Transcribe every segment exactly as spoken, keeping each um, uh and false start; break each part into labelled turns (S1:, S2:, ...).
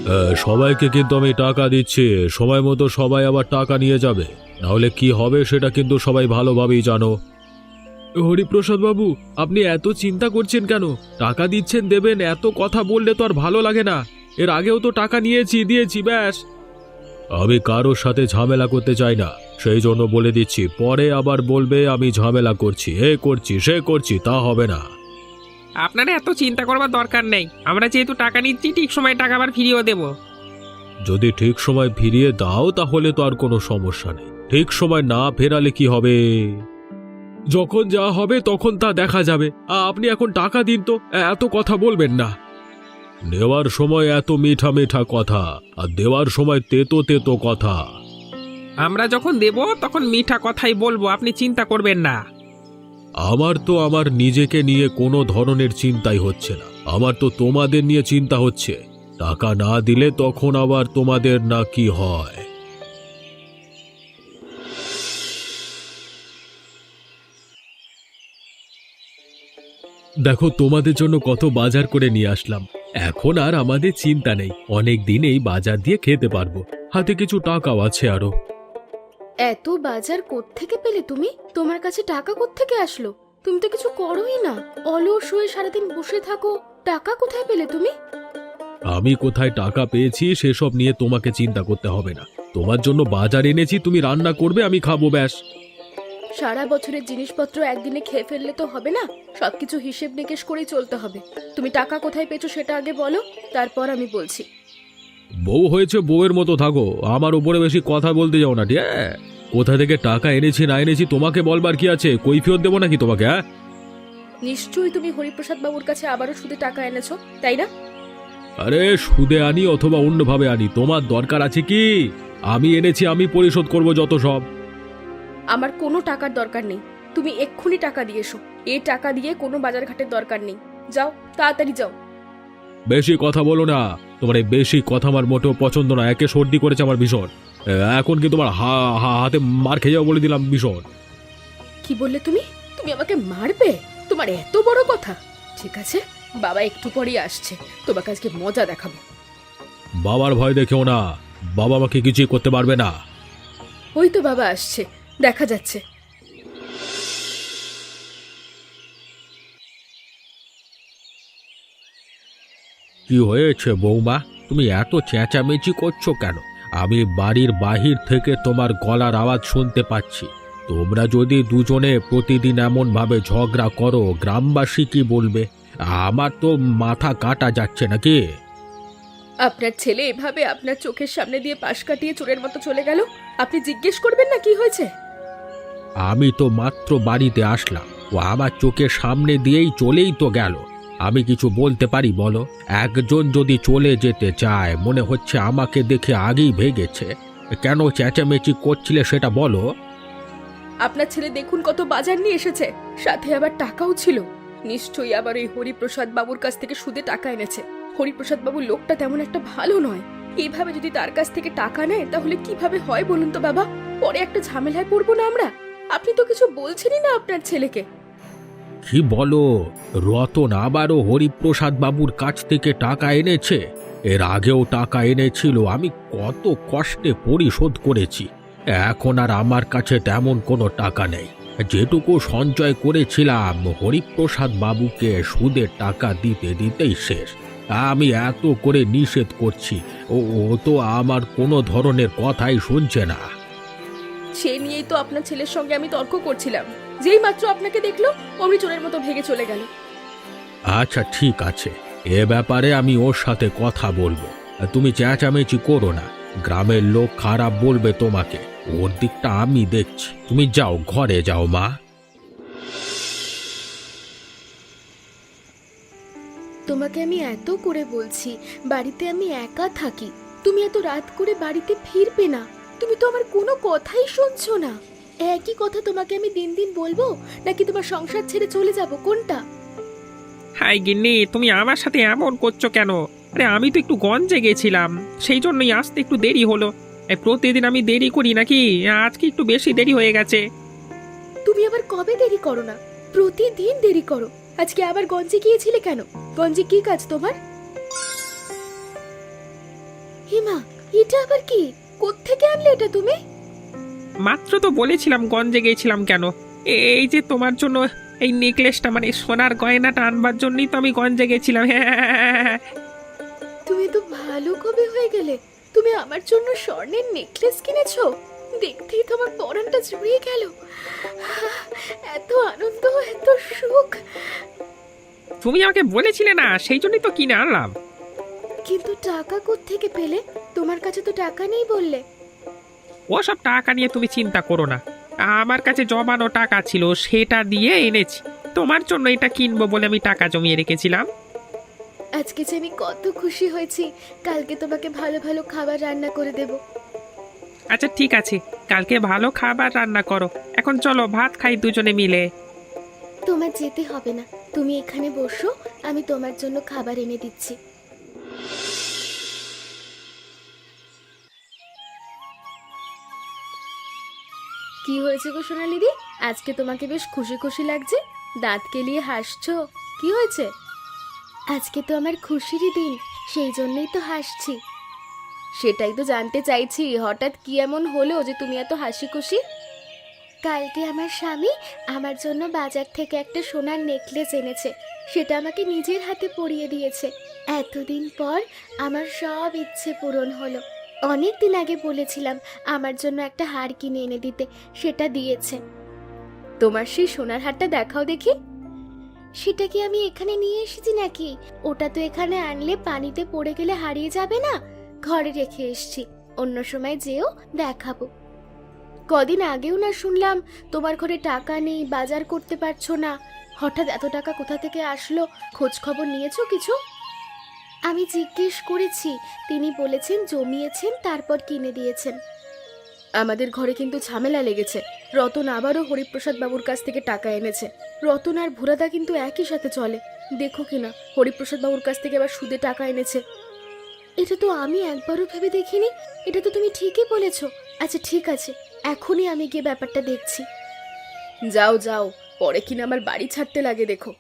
S1: সবাইকে কিন্তু আমি টাকা দিচ্ছি, সময় মতো সবাই আবার টাকা নিয়ে যাবে, নাহলে কি হবে সেটা কিন্তু সবাই ভালোভাবেই জানো। হরিপ্রসাদ বাবু, আপনি এত চিন্তা করছেন কেন? টাকা দিচ্ছেন, দেবেন, এত কথা বললে তো আর ভালো লাগে না। এর আগেও তো টাকা নিয়েছি, দিয়েছি, ব্যাস। আমি কারোর সাথে ঝামেলা করতে চাই না, সেই জন্য বলে দিচ্ছি, পরে আবার বলবে আমি ঝামেলা করছি, এ করছি সে করছি, তা হবে না।
S2: আপনারা এত চিন্তা করবার দরকার নেই, আমরা যেহেতু টাকা নিচ্ছি ঠিক সময় টাকা আবার ফিরিয়েও দেব।
S1: যদি ঠিক সময় ফিরিয়ে দাও তাহলে তো আর কোনো সমস্যা নেই, ঠিক সময় না ফেরালে কি হবে? যখন যা হবে তখন তা দেখা যাবে। আপনি এখন টাকা দিন তো, এত কথা বলবেন না। নেওয়ার সময় এত মিঠা মিঠা কথা, আর দেওয়ার সময় তেতো তেতো কথা।
S2: আমরা যখন দেব তখন মিঠা কথাই বলবো, আপনি চিন্তা করবেন না।
S1: আমার তো আমার নিজেকে নিয়ে কোনো ধরনের চিন্তাই হচ্ছে না, আমার তো তোমাদের নিয়ে চিন্তা হচ্ছে। টাকা না দিলে তখন আবার তোমাদের না কি হয়। দেখো, তোমাদের জন্য কত বাজার করে নিয়ে আসলাম। এখন আর আমাদের চিন্তা নেই, অনেক দিন এই বাজার দিয়ে খেতে পারবো, হাতে কিছু টাকাও আছে আরো।
S3: এত বাজার কোত্থেকে পেলে তুমি? তোমার কাছে টাকা কোত্থেকে আসলো? তুমি তো কিছু করোই না, অলস হয়ে সারাদিন বসে থাকো। টাকা কোথায় পেলে তুমি?
S1: আমি কোথায় টাকা পেয়েছি সেসব নিয়ে তোমাকে চিন্তা করতে হবে না। তোমার জন্য বাজার এনেছি, তুমি রান্না করবে, আমি খাবো, ব্যাস।
S3: সারা বছরের জিনিসপত্র একদিনে খেয়ে ফেললে তো হবে না, সবকিছু হিসেব নিকেশ করেই চলতে হবে। তুমি টাকা কোথায় পেয়েছো সেটা আগে বলো, তারপর আমি বলছি।
S1: বউ হয়েছে, বউয়ের মতো থাকো, আমার উপরে বেশি কথা বলতে যাও না, ঠিক আছে? কোথা থেকে টাকা এনেছি না এনেছি তোমাকে বলবার কি আছে? কৈফিয়ত দেবো নাকি তোমাকে? হ্যাঁ,
S3: নিশ্চয়ই তুমি হরিপ্রসাদ বাবুর কাছে আবারও সুদে টাকা এনেছো, তাই না?
S1: আরে সুদে আনি অথবা অন্যভাবে আনি, তোমার দরকার আছে কি? আমি এনেছি, আমি পরিশোধ করব যত সব।
S3: আমার কোনো টাকার দরকার নেই, তুমি এক্ষুনি টাকা দিয়ে এসো। এই টাকা দিয়ে কোনো বাজার ঘাটের দরকার নেই, যাও তাড়াতাড়ি যাও।
S1: বেশি কথা বলো না, তোমার এই বেশি কথা আমার মোটেও পছন্দ না, একে সর্দি করেছে আমার ভীষণ। এখন কি তোমার হা হা হাতে মার খেয়ে যাও বলে দিলাম ভীষণ।
S3: কি বললে তুমি? তুমি আমাকে মারবে? তোমার এত বড় কথা? ঠিক আছে, বাবা একটু পরেই আসছে, তোমাকে আজকে মজা দেখাবো।
S1: বাবার ভয় দেখেও না, বাবা আমাকে কিছুই করতে পারবে না।
S3: ওই তো বাবা আসছে, দেখা যাচ্ছে।
S1: কি হয়েছে বৌমা, তুমি এত চেঁচামেচি করছো কেন? আমি বাড়ির বাহির থেকে তোমার গলার আওয়াজ শুনতে পাচ্ছি। তোমরা যদি দুজনে প্রতিদিন এমন ভাবে ঝগড়া করো, গ্রামবাসী কি বলবে? আমার তো মাথা কাটা যাচ্ছে নাকি।
S3: আপনার ছেলে এভাবে আপনার চোখের সামনে দিয়ে পাশ কাটিয়ে চোরের মতো চলে গেল, আপনি জিজ্ঞেস করবেন না কি হয়েছে?
S1: আমি তো মাত্র বাড়িতে আসলাম, ও আমার চোখের সামনে দিয়েই চলেই তো গেল। আমি কিছু বলতে পারি বলো? একজন যদি চলে যেতে চায়, মনে হচ্ছে আমাকে দেখে আগেই ভেগেছে। কেন চেঁচামেচি করছিলে সেটা বলো।
S3: আপনার ছেলে দেখুন কত বাজার নিয়ে এসেছে, সাথে আবার টাকাও ছিল। নিশ্চয়ই আবার ওই হরিপ্রসাদ বাবুর কাছ থেকে সুদে টাকা এনেছে। হরিপ্রসাদ বাবুর লোকটা তেমন একটা ভালো নয়, এইভাবে যদি তার কাছ থেকে টাকা নেয় তাহলে কিভাবে হয় বলুন তো বাবা? পরে একটা ঝামেলায় পড়বো না আমরা? আপনি তো কিছু বলছেনই না আপনার ছেলেকে।
S1: কি বলো? রতন আবারও হরিপ্রসাদ বাবুর কাছ থেকে টাকা এনেছে? এর আগেও টাকা এনেছিল, আমি কত কষ্টে পরিশোধ করেছি। এখন আর আমার কাছে তেমন কোনো টাকা নেই। যেটুকু সঞ্চয় করেছিলাম হরিপ্রসাদ বাবুকে সুদের টাকা দিতে দিতেই শেষ। আমি এত করে নিষেধ করছি, ও ও তো আমার কোনো ধরনের কথাই শুনছে না।
S3: সে নিয়েই তো আপনার ছেলের সঙ্গে আমি তর্ক করছিলাম, যেই মাত্র আপনাকে দেখলো অমনি চোরের মতো ভেগে চলে গেল।
S1: আচ্ছা ঠিক আছে, এ ব্যাপারে আমি ওর সাথে কথা বলবো। তুমি চেঁচামেচি করো না, গ্রামের লোক খারাপ বলবে তোমাকে, ওর দিকটা আমি দেখছি। তুমি যাও, ঘরে যাও মা।
S3: তোমাকে আমি এত করে বলছি বাড়িতে আমি একা থাকি, তুমি এত রাত করে বাড়িতে ফিরবে না, তুমি তো আমার কোনো কথাই শুনছো না। একই কথা তোমাকে আমি দিন দিন বলবো, নাকি তোমার সংসার ছেড়ে চলে যাব, কোনটা?
S2: হাই গিন্নি, তুমি আমার সাথে এমন করছো কেন? আরে আমি তো একটু গঞ্জে গেছিলাম, সেই জন্যই আসতে একটু দেরি হলো। এই প্রতিদিন আমি দেরি করি নাকি? আজকে একটু বেশি দেরি হয়ে গেছে।
S3: তুমি আবার কবে দেরি করো না? প্রতিদিন দেরি করো। আজকে আবার গঞ্জে গিয়েছিলে কেন? গঞ্জে কি কাজ তোমার? হিমা, এটা আবার কি? কোত্থেকে আনলে এটা তুমি?
S2: মাত্র তো বলেছিলাম গঞ্জে গিয়েছিলাম কেন। এ- এই যে তোমার জন্য এই নেকলেসটা মানে সোনার গয়নাটা আনবার জন্যই তো আমি গঞ্জে গেছিলাম। হ্যাঁ,
S3: তুমি তো ভালো কবে হয়ে গেলে। তুমি আমার জন্য স্বর্ণের নেকলেস কিনেছো? দেখতেই তোমার পরানটা জুড়িয়ে গেল। এত আনন্দ, এত সুখ।
S2: তুমি আমাকে বলেছিলে না, সেই জন্যই তো কিনে আনলাম।
S3: কিন্তু টাকা কোত্থেকে পেলে? তোমার কাছে তো টাকা নেই বললে।
S2: ওসব টাকা নিয়ে তুমি চিন্তা করো না, আমার কাছে জমানো টাকা ছিল, সেটা দিয়ে এনেছি। তোমার জন্য এটা কিনবো বলে আমি টাকা জমিয়ে রেখেছিলাম।
S3: আজকে যে আমি কত খুশি হয়েছি। কালকে তোমাকে ভালো ভালো খাবার রান্না করে দেব।
S2: আচ্ছা ঠিক আছে, কালকে ভালো খাবার রান্না করো। এখন চলো ভাত খাই দুজনে মিলে।
S3: তোমার যেতে হবে না, তুমি এখানে বসো, আমি তোমার জন্য খাবার এনে দিচ্ছি। কি হয়েছে গো সোনালিদি? আজকে তোমাকে বেশ খুশি খুশি লাগছে, দাঁত কেলিয়ে হাসছো। কি হয়েছে? আজকে তো আমার খুশিরই দিন, সেই জন্যই তো হাসছি। সেটাই তো জানতে চাইছি, হঠাৎ কি এমন হলো যে তুমি এত হাসি খুশি? কালকে আমার স্বামী আমার জন্য বাজার থেকে একটা সোনার নেকলেস এনেছে, সেটা আমাকে নিজের হাতে পরিয়ে দিয়েছে। এতদিন পর আমার সব ইচ্ছে পূরণ হলো। অনেক দিন আগে বলেছিলাম আমার জন্য একটা হার কিনে এনে দিতে, সেটা দিয়েছে। তোমার সেই সোনার হারটা দেখাও দেখি। সেটা কি আমি এখানে নিয়ে এসেছি নাকি? ওটা তো এখানে আনলে পানিতে পড়ে গেলে হারিয়ে যাবে না। ঘরে রেখে এসেছি, অন্য সময় যেও দেখাবো। কদিন আগেও না শুনলাম তোমার ঘরে টাকা নেই, বাজার করতে পারছো না। হঠাৎ এত টাকা কোথা থেকে আসলো? খোঁজ খবর নিয়েছো কিছু? আমি জিজ্ঞেস করেছি, তিনি বলেছেন জমিয়েছেন, তারপর কিনে দিয়েছেন। আমাদের ঘরে কিন্তু ঝামেলা লেগেছে। রতন আবারও হরিপ্রসাদ বাবুর কাছ থেকে টাকা এনেছে। রতন আর ভুরাদা কিন্তু একই সাথে চলে। দেখো কিনা হরিপ্রসাদ বাবুর কাছ থেকে আবার সুদে টাকা এনেছে। এটা তো আমি একবারও ভেবে দেখিনি। এটা তো তুমি ঠিকই বলেছো। আচ্ছা ঠিক আছে, এখনই আমি গিয়ে ব্যাপারটা দেখছি। যাও যাও, পরে কিনা আমার বাড়ি ছাড়তে লাগে দেখো।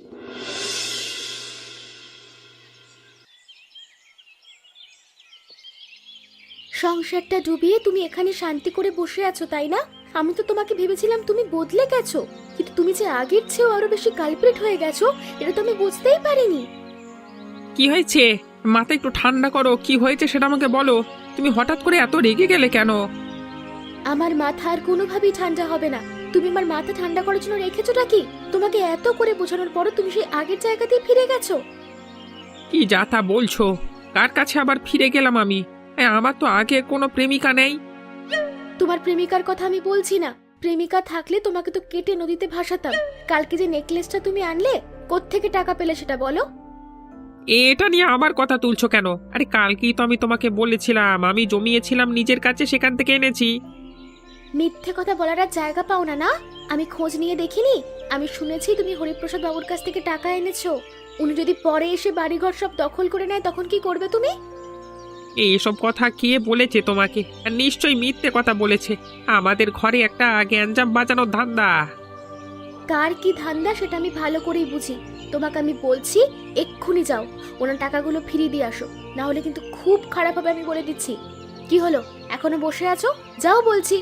S3: সংসারটা ডুবিয়ে তুমি এখানে শান্তি করে বসে আছো, তাই না? আমি তো তোমাকে ভেবেছিলাম তুমি বদলে গেছো, কিন্তু তুমি যে আগের চেয়েও আরো বেশি কালপ্রিট হয়ে গেছো, এটা তো আমি বুঝতেই পারিনি।
S2: কি হয়েছে? মাথা একটু ঠান্ডা করো, কি হয়েছে সেটা আমাকে বলো। তুমি হঠাৎ করে এত রেগে গেলে কেন?
S3: আমার মাথা আর কোনোভাবেই ঠান্ডা হবে না। তুমি আমার মাথা ঠান্ডা করার জন্য রেখেছোটা কি? তোমাকে এত করে বোঝানোর পরও তুমি সেই আগের জায়গাতেই ফিরে গেছো।
S2: কি যা তা বলছো? কার কাছে আবার ফিরে গেলাম আমি? এ, আমার তো আগে কোনো প্রেমিকা নেই।
S3: তোমার প্রেমিকার কথা আমি বলছি না। প্রেমিকা থাকলে তোমাকে তো কেটে নদীতে ভাসাতাম। কালকে যে নেকলেসটা তুমি আনলে, কোত্থেকে টাকা পেলে সেটা বলো।
S2: এটা নিয়ে আবার কথা তুলছো কেন? আরে কালকেই তো আমি তোমাকে বলেছিলাম আমি জমিয়েছিলাম নিজের কাছে, সেখান থেকে এনেছি।
S3: মিথ্যে কথা বলার আর জায়গা পাও না না? আমি খোঁজ নিয়ে দেখিনি? আমি শুনেছি তুমি হরিপ্রসাদ বাবুর কাছ থেকে টাকা এনেছো। উনি যদি পরে এসে বাড়িঘর সব দখল করে নেয়, তখন কি করবে তুমি?
S2: এইসব কথা কে বলেছে তোমাকে? আর নিশ্চয়ই মিথ্যে কথা বলেছে। আমাদের ঘরে একটা গ্যাঞ্জাম বাজানোর ধান্দা।
S3: কার কি ধান্দা সেটা আমি ভালো করেই বুঝি। তোমাকে আমি বলছি এক্ষুনি যাও, ওনার টাকাগুলো ফিরিয়ে দিয়ে আসো, না হলে কিন্তু খুব খারাপ হবে, আমি বলে দিচ্ছি। কি হলো, এখনো বসে আছো? যাও বলছি।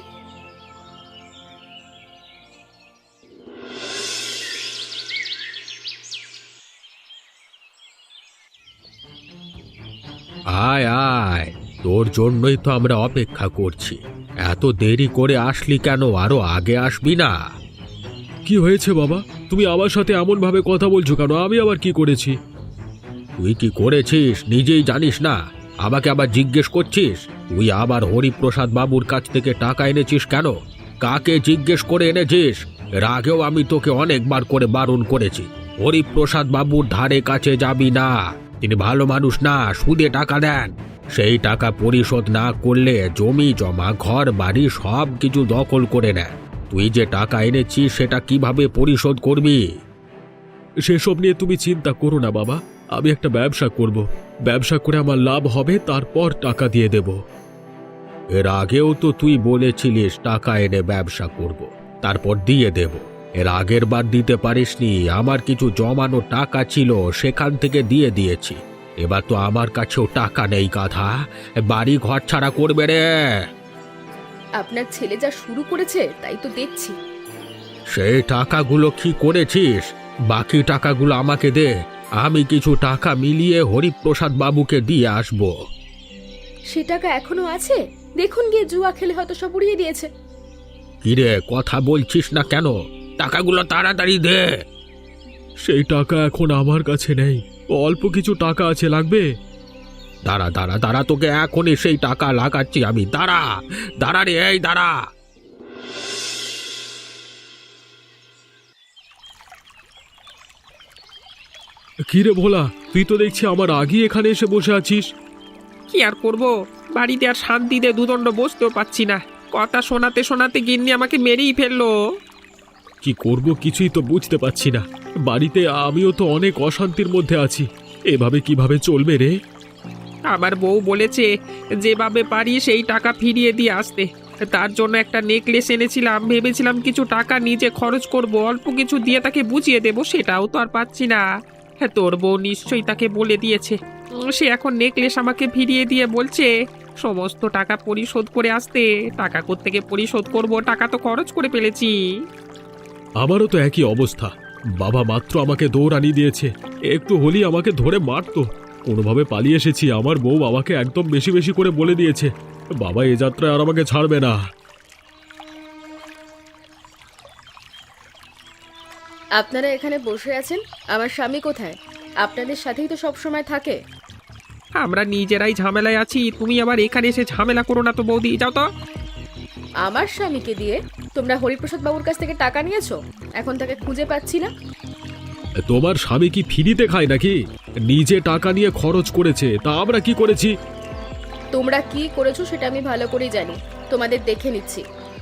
S1: আয় আয়, তোর জন্যই তো আমরা অপেক্ষা করছি। এত দেরি করে আসলি কেন? আরো আগে আসবি না? কি হয়েছে বাবা? তুমি আমার সাথে এমন ভাবে কথা বলছো কেন? আমি আবার কি করেছি? তুই কি করেছিস নিজেই জানিস না, আমাকে আবার জিজ্ঞেস করছিস? তুই আবার হরিপ্রসাদ বাবুর কাছ থেকে টাকা এনেছিস কেন? কাকে জিজ্ঞেস করে এনেছিস? এর আগেও আমি তোকে অনেকবার করে বারণ করেছি, হরিপ্রসাদ বাবুর ধারে কাছে যাবি না। তিনি ভালো মানুষ না, সুদে টাকা দেন। সেই টাকা পরিশোধ না করলে জমি জমা ঘর বাড়ি সব কিছু দখল করে নেয়। তুই যে টাকা এনেছিস সেটা কিভাবে পরিশোধ করবি? সেসব নিয়ে তুমি চিন্তা করো না বাবা, আমি একটা ব্যবসা করব। ব্যবসা করে আমার লাভ হবে, তারপর টাকা দিয়ে দেব। এর আগেও তো তুই বলেছিলিস টাকা এনে ব্যবসা করব, তারপর দিয়ে দেব। এর আগের বার দিতে পারিসনি। আমার কিছু জমানো টাকা ছিল, সেখান থেকে দিয়ে দিয়েছি। এবার তো আমার কাছেও টাকা নেই গাধা, বাড়ি ঘর ছাড়া করবে রে।
S3: আপনার ছেলে যা শুরু করেছে তাই তো দেখছি।
S1: সেই টাকাগুলো কি করেছিস? বাকি টাকাগুলো আমাকে দে, আমি কিছু টাকা মিলিয়ে হরিপ্রসাদ বাবুকে দিয়ে আসবো।
S3: সে টাকা এখনো আছে? দেখুন গিয়ে জুয়া খেলে হয়তো সব উড়িয়ে দিয়েছে।
S1: কিরে, কথা বলছিস না কেন? টাকাগুলো তাড়াতাড়ি দে। সেই টাকা এখন আমার কাছে নেই, অল্প কিছু টাকা আছে, লাগবে। দাঁড়া দাঁড়া দাঁড়া, তোকে এখনই সেই টাকা লাগাচ্ছি আমি। দাঁড়া দাঁড়া রে, এই দাঁড়া। কিরে ভোলা, তুই তো দেখছি আমার আগে এখানে এসে বসে আছিস।
S2: কি আর করব, বাড়িতে আর শান্তিতে দুদণ্ড বসতেও পাচ্ছি না। কথা শোনাতে শোনাতে গিন্নি আমাকে মেরেই ফেললো।
S1: কি করব কিছুই তো বুঝতে পারছি না। বাড়িতে আমিও তো অনেক অশান্তির মধ্যে আছি, এভাবে কিভাবে চলবে রে?
S2: আমার বউ বলেছে যেভাবে পারি সেই টাকা ফিরিয়ে দিয়ে আসতে। তার জন্য একটা নেকলেস এনেছিলাম, ভেবেছিলাম কিছু টাকা নিজে খরচ করব, অল্প কিছু দিয়ে তাকে বুঝিয়ে দেবো, সেটাও তো আর পাচ্ছি না। হ্যাঁ, তোর বউ নিশ্চয়ই তাকে বলে দিয়েছে। উম, সে এখন নেকলেস আমাকে ফিরিয়ে দিয়ে বলছে সমস্ত টাকা পরিশোধ করে আসতে। টাকা কোত্থেকে পরিশোধ করব, টাকা তো খরচ করে ফেলেছি।
S1: আমারও তো একই অবস্থা। বাবা মাত্র আমাকে দৌড়ানি দিয়েছে, একটু হলি আমাকে ধরে মারতো। কোনোভাবে পালিয়ে এসেছি, আমার বউ বাবাকে একদম বেশি বেশি করে বলে দিয়েছে বাবা এ যাত্রায় আর আমাকে ছাড়বে না।
S3: আপনারা এখানে বসে আছেন, আমার স্বামী কোথায়? আপনাদের সাথেই তো সব সময় থাকে।
S2: আমরা নিজেরাই ঝামেলায় আছি, তুমি আবার এখানে এসে ঝামেলা করো না তো বৌদি, যাও তো।
S3: আমার স্বামীকে দিয়ে তোমরা হরিপ্রসাদ বাবুর কাছ থেকে টাকা নিয়েছো, এখন তাকে খুঁজে পাচ্ছি না।
S1: তোমার স্বামী কি ফ্রিতে খায় নাকি? নিজে টাকা নিয়ে খরচ করেছে, তা আমরা কি করেছি?
S3: তোমরা কি করেছো সেটা আমি ভালো করেই জানি, তোমাদের দেখে নিচ্ছি।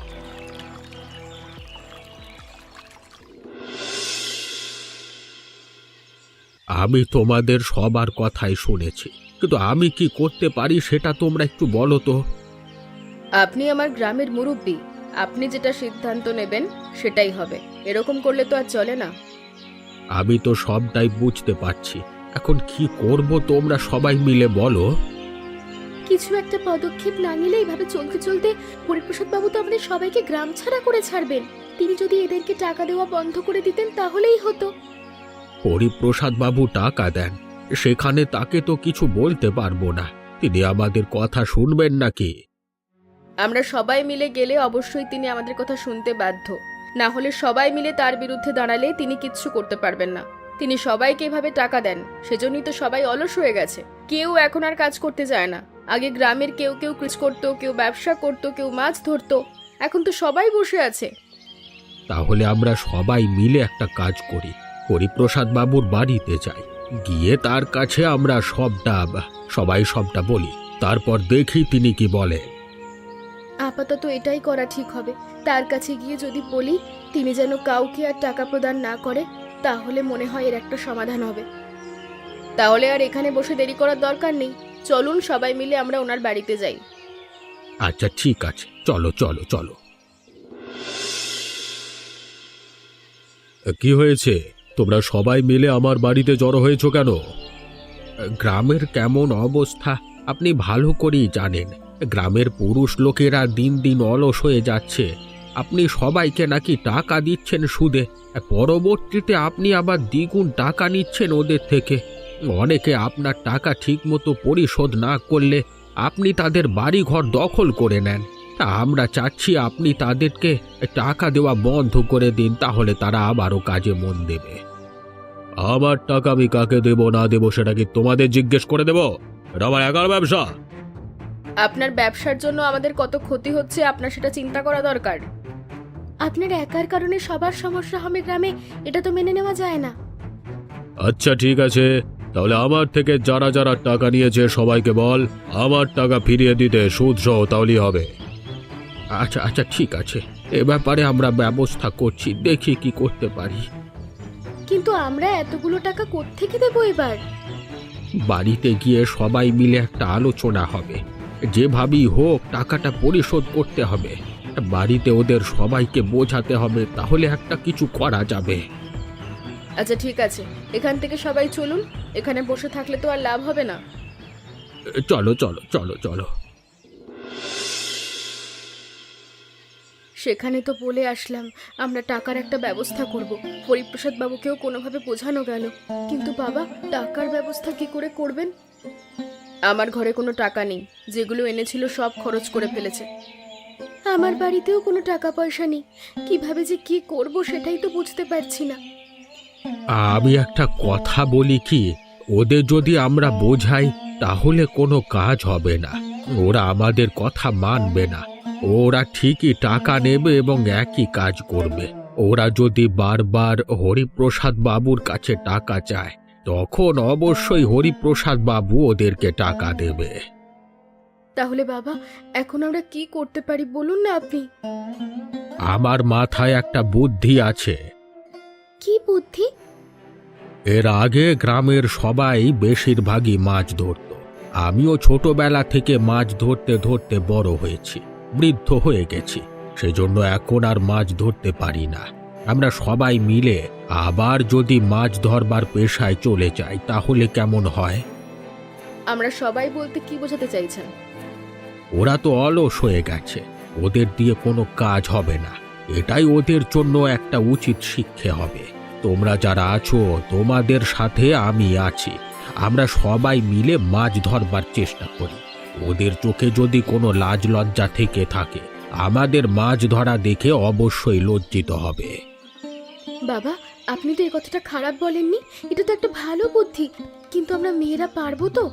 S1: আমি তোমাদের সবার কথাই শুনেছি, কিন্তু আমি কি করতে পারি সেটা তোমরা একটু বলো তো।
S3: আপনি আমার গ্রামের মুরব্বি, আপনি যেটা সিদ্ধান্ত নেবেন সেটাই হবে। এরকম করলে তো আর চলে না।
S1: আমি তো সবটাই বুঝতে পারছি, এখন কি করব তোমরা সবাই মিলে বলো।
S3: কিছু একটা পদক্ষেপ না নিলে এইভাবে চলতে চলতে হরিপ্রসাদ বাবু তো আমাদের সবাইকে গ্রাম ছাড়া করে ছাড়বেন। তিনি যদি এদেরকে টাকা দেওয়া বন্ধ করে দিতেন তাহলেই হতো।
S1: হরিপ্রসাদ বাবু টাকা দেন, সেখানে তাকে তো কিছু বলতে পারবো না। তিনি আমাদের কথা শুনবেন নাকি?
S3: আমরা সবাই মিলে গেলে অবশ্যই তিনি আমাদের কথা শুনতে বাধ্য, না হলে সবাই মিলে তার বিরুদ্ধে দাঁড়ালে তিনি কিচ্ছু করতে পারবেন না। তিনি সবাইকে এভাবে টাকা দেন, সেজন্যই তো সবাই অলস হয়ে গেছে। কেউ এখন আর কাজ করতে যায় না। আগে গ্রামের কেউ কেউ কৃষ করতো, কেউ ব্যবসা করতো, কেউ মাছ ধরতো, এখন তো সবাই বসে আছে।
S1: তাহলে আমরা সবাই মিলে একটা কাজ করি, হরিপ্রসাদ বাবুর বাড়িতে যাই, গিয়ে তার কাছে আমরা সবটা সবাই সবটা বলি, তারপর দেখি তিনি কি বলে।
S3: আপাতত এটাই করা ঠিক হবে। তার কাছে গিয়ে যদি বলি তিনি যেন কাউকে আর টাকা প্রদান না করে, তাহলে মনে হয় এর একটা সমাধান হবে। তাহলে আর এখানে বসে দেরি করার দরকার নেই, চলুন সবাই মিলে আমরা ওনার বাড়িতে যাই।
S1: আচ্ছা ঠিক আছে, চলো চলো চলো। কি হয়েছে, তোমরা সবাই মিলে আমার বাড়িতে জড়ো হয়েছো কেন? গ্রামের কেমন অবস্থা আপনি ভালো করেই জানেন। গ্রামের পুরুষ লোকেরা দিন দিন অলস হয়ে যাচ্ছে। আপনি সবাইকে নাকি টাকা দিচ্ছেন সুদে, পরবর্তীতে আপনি আবার দ্বিগুণ টাকা নিচ্ছেন ওদের থেকে। অনেকে আপনার টাকা ঠিকমতো পরিশোধ না করলে আপনি তাদের বাড়িঘর দখল করে নেন। আমরা চাচ্ছি আপনি তাদেরকে টাকা দেওয়া বন্ধ করে দিন, তাহলে তারা আবারও কাজে মন দেবে। আমার টাকা আমি কাকে দেব না দেব সেটা কি তোমাদের জিজ্ঞেস করে দেব? এটা আমার একার ব্যবসা।
S3: আপনার ব্যবসার জন্য আমাদের কত ক্ষতি হচ্ছে আপনার সেটা চিন্তা করা দরকার। আপনার একার কারণে সবার সমস্যা হবে গ্রামে, এটা তো মেনে নেওয়া যায় না।
S1: আচ্ছা ঠিক আছে, তাহলে আমার থেকে যারা যারা টাকা নিয়েছে সবাইকে বল আমার টাকা ফিরিয়ে দিতে, সুদ সহ, তাহলেই হবে। আচ্ছা আচ্ছা ঠিক আছে, এ ব্যাপারে আমরা ব্যবস্থা করছি, দেখি কি করতে পারি।
S3: কিন্তু আমরা এতগুলো টাকা কোত্থেকে দেবো এবার?
S1: বাড়িতে গিয়ে সবাই মিলে একটা আলোচনা হবে, যেভাবেই হোক টাকাটা পরিশোধ করতে হবে। বাড়িতে ওদের সবাইকে বোঝাতে হবে, তাহলে একটা কিছু করা যাবে।
S3: আচ্ছা ঠিক আছে, এখান থেকে সবাই চলুন। এখানে বসে থাকলে তো আর লাভ হবে না।
S1: চলো চলো চলো চলো।
S3: সেখানে তো বলে আসলাম আমরা টাকার একটা ব্যবস্থা করব। হরিপ্রসাদ বাবুকেও কোনোভাবে বোঝানো গেল, কিন্তু বাবা টাকার ব্যবস্থা কি করে করবেন? আমার ঘরে কোনো টাকা নেই, যেগুলো এনেছিল সব খরচ করে ফেলেছে। আমার বাড়িতেও কোনো টাকা পয়সা নেই, কিভাবে যে কি করব সেটাই তো বুঝতে পারছি না।
S1: আমি একটা কথা বলি কি, ওদের যদি আমরা বোঝাই তাহলে কোনো কাজ হবে না। ওরা আমাদের কথা মানবে না। ওরা ঠিকই টাকা নেবে এবং একই কাজ করবে। ওরা যদি বারবার হরিপ্রসাদ বাবুর কাছে টাকা চায়, তখন অবশ্যই হরিপ্রসাদ বাবু ওদেরকে টাকা দেবে।
S3: তাহলে বাবা এখন আমরা কি করতে পারি বলুন না আপনি।
S1: আমার মাথায় একটা বুদ্ধি আছে।
S3: কি বুদ্ধি?
S1: এর আগে গ্রামের সবাই বেশিরভাগই মাছ ধরত। আমিও ছোটবেলা থেকে মাছ ধরতে ধরতে বড় হয়েছি, বৃদ্ধ হয়ে গেছি, সেজন্য এখন আর মাছ ধরতে পারি না। আমরা সবাই মিলে আবার যদি মাছ ধরবার পেশায় চলে যাই তাহলে কেমন হয়?
S3: আমরা সবাই বলতে কি বোঝাতে চাইছেন?
S1: ওরা তো অলস হয়ে গেছে, ওদের দিয়ে কোনো কাজ হবে না। এটাই ওদের জন্য একটা উচিত শিক্ষা হবে। তোমরা যারা আছো, তোমাদের সাথে আমি আছি। আমরা সবাই মিলে মাছ ধরবার চেষ্টা করি। ওদের চোখে যদি কোনো লাজ লজ্জা থেকে থাকে, আমাদের মাছ ধরা দেখে অবশ্যই লজ্জিত হবে।
S3: বাবা আপনি তো এই কথাটা খারাপ বলেননি, এটা তো একটা ভালো বুদ্ধি, কিন্তু আমরা মেয়েরা পারবো তো?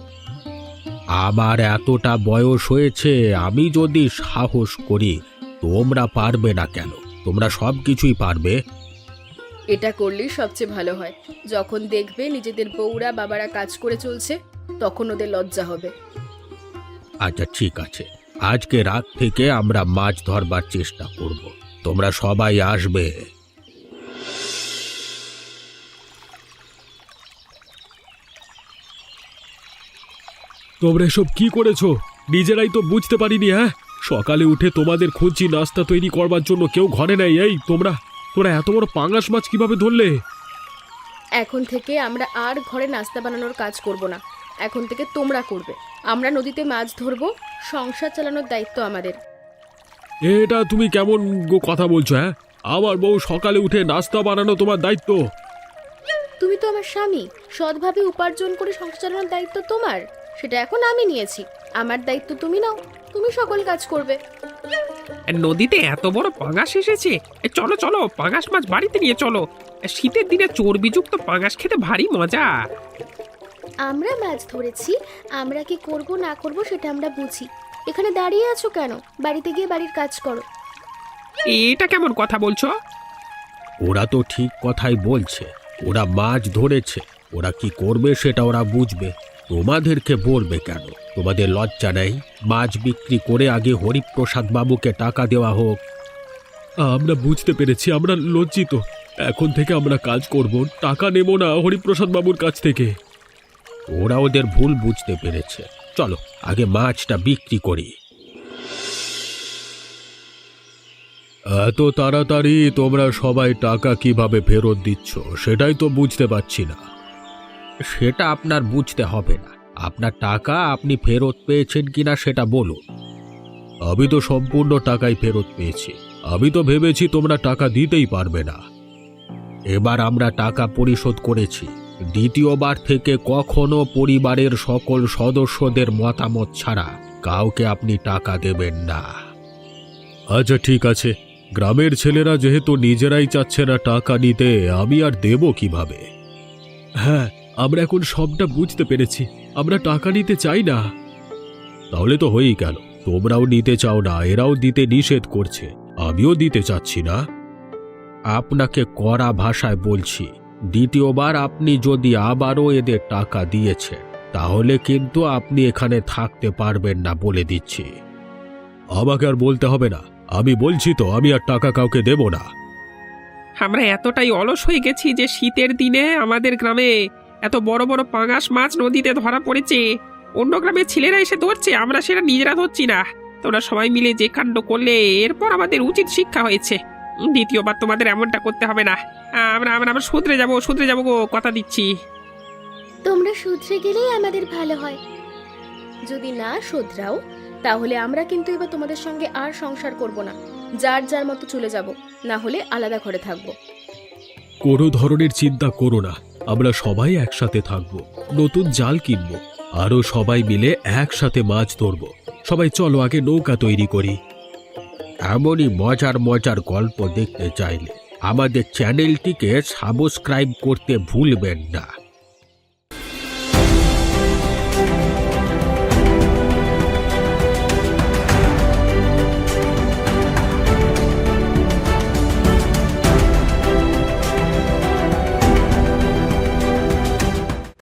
S1: আমার এতটা বয়স হয়েছে, আমি যদি সাহস করি, তোমরা পারবে না কেন? তোমরা সব কিছুই পারবে।
S3: এটা করলেই সবচেয়ে ভালো হয়। যখন দেখবে নিজেদের বউরা বাবারা কাজ করে চলছে, তখন ওদের লজ্জা হবে।
S1: আচ্ছা ঠিক আছে, আজকে রাত থেকে আমরা মাছ ধরবার চেষ্টা করব। তোমরা সবাই আসবে।
S4: তোমরা এসব কি করেছো? নিজেরাই তো বুঝতে পারিনি। হ্যাঁ, সকালে উঠে তোমাদের খুঁজছি নাস্তা তৈরি করবার জন্য, কেউ ঘরে নেই। এই তোমরা তোরা এত বড় পাঙ্গাস মাছ কিভাবে ধরলে?
S3: এখন থেকে আমরা আর ঘরে নাস্তা বানানোর কাজ করব না, এখন থেকে তোমরা করবে। আমরা নদীতে মাছ ধরবো, সংসার চালানোর দায়িত্ব আমাদের।
S4: এটা তুমি কেমন গো কথা বলছো? হ্যাঁ, আমার বউ সকালে উঠে নাস্তা বানানো তোমার দায়িত্ব?
S3: তুমি তো আমার স্বামী, সৎভাবে উপার্জন করে সংসার চালানোর দায়িত্ব তোমার, সেটা এখন আমি নিয়েছি। আমার দায়িত্ব তুমি নাও, তুমি সকল কাজ করবে।
S2: নদীতে এত বড় পাঙাশ এসেছে, এ চলো চলো পাঙাশ মাছ বাড়িতে নিয়ে চলো। এ শীতের দিনে চর্বিযুক্ত পাঙাশ খেতে ভারী মজা।
S3: আমরা মাছ ধরেছি, আমরা কি করব না করব সেটা আমরা বুঝি। এখানে দাঁড়িয়ে আছো কেন? বাড়িতে গিয়ে বাড়ির কাজ করো।
S2: এটা কেমন কথা বলছো?
S1: ওরা তো ঠিক কথাই বলছে। ওরা মাছ ধরেছে, ওরা কি করবে সেটা ওরা বুঝবে। তোমাদেরকে বলবে কেন? তোমাদের লজ্জা নেই? মাছ বিক্রি করে আগে হরিপ্রসাদ বাবুকে টাকা দেওয়া হোক।
S4: আমরা বুঝতে পেরেছি, আমরা লজ্জিত। এখন থেকে আমরা কাজ করব, টাকা নেব না হরিপ্রসাদ বাবুর কাছ থেকে।
S1: ওরা ওদের ভুল বুঝতে পেরেছে। চলো আগে মাছটা বিক্রি করি।
S4: এত তাড়াতাড়ি তোমরা সবাই টাকা কিভাবে ফেরত দিচ্ছ সেটাই তো বুঝতে পারছি না।
S1: সেটা আপনার বুঝতে হবে না। আপনার টাকা আপনি ফেরত পেয়েছেন কিনা সেটা বলুন।
S4: আমি তো সম্পূর্ণ টাকাই ফেরত পেয়েছি। আমি তো ভেবেছি তোমরা টাকা দিতেই পারবে না।
S1: এবার আমরা টাকা পরিশোধ করেছি। দ্বিতীয়বার থেকে কখনো পরিবারের সকল সদস্যদের মতামত ছাড়া কাউকে আপনি টাকা দেবেন না।
S4: আচ্ছা ঠিক আছে, গ্রামের ছেলেরা যেহেতু নিজেরাই চাচ্ছে না টাকা নিতে, আমি আর দেব কিভাবে? হ্যাঁ, আমরা এখন সবটা বুঝতে পেরেছি। আমরা টাকা নিতে চাই না। তাহলে তো হয়েই গেল। তোমরাও নিতে চাও না, এরাও দিতে নিষেধ করছে, আমিও দিতে চাচ্ছি না।
S1: আপনাকে কড়া ভাষায় বলছি, দ্বিতীয়বার আপনি যদি আবারও এদের টাকা দিয়েছেন তাহলে কিন্তু আপনি এখানে থাকতে পারবেন না বলে দিচ্ছি।
S4: আমাকে আর বলতে হবে না, আমি বলছি তো আমি আর টাকা কাউকে দেব না।
S2: আমরা এতটাই অলস হয়ে গেছি যে শীতের দিনে আমাদের গ্রামে এত বড় বড় পাঙাশ মাছ নদীতে ধরা পড়েছে। অন্য গ্রামের ছেলেরা এসে ধরছে, আমরা সেটা নিজেরা ধরছি না। তোমরা সবাই মিলে যে কাণ্ড করলে, এরপর আমাদের উচিত শিক্ষা হয়েছে। দ্বিতীয়বার তোমাদের এমনটা করতে হবে না। আমরা আমরা আমরা শুধরে যাবো শুধরে যাবো গো, কথা দিচ্ছি।
S3: তোমরা শুধরে গেলেই আমাদের ভালো হয়। যদি না শুধরাও তাহলে আমরা কিন্তু এবার তোমাদের সঙ্গে আর সংসার করব না, যার যার মতো চলে যাব, না হলে আলাদা ঘরে থাকবো।
S4: কোনো ধরনের চিন্তা করো না, আমরা সবাই একসাথে থাকব, নতুন জাল কিনব, আরও সবাই মিলে একসাথে মাছ ধরব। সবাই চলো আগে নৌকা তৈরি করি।
S1: এমনই মজার মজার গল্প দেখতে চাইলে আমাদের চ্যানেলটিকে সাবস্ক্রাইব করতে ভুলবেন না।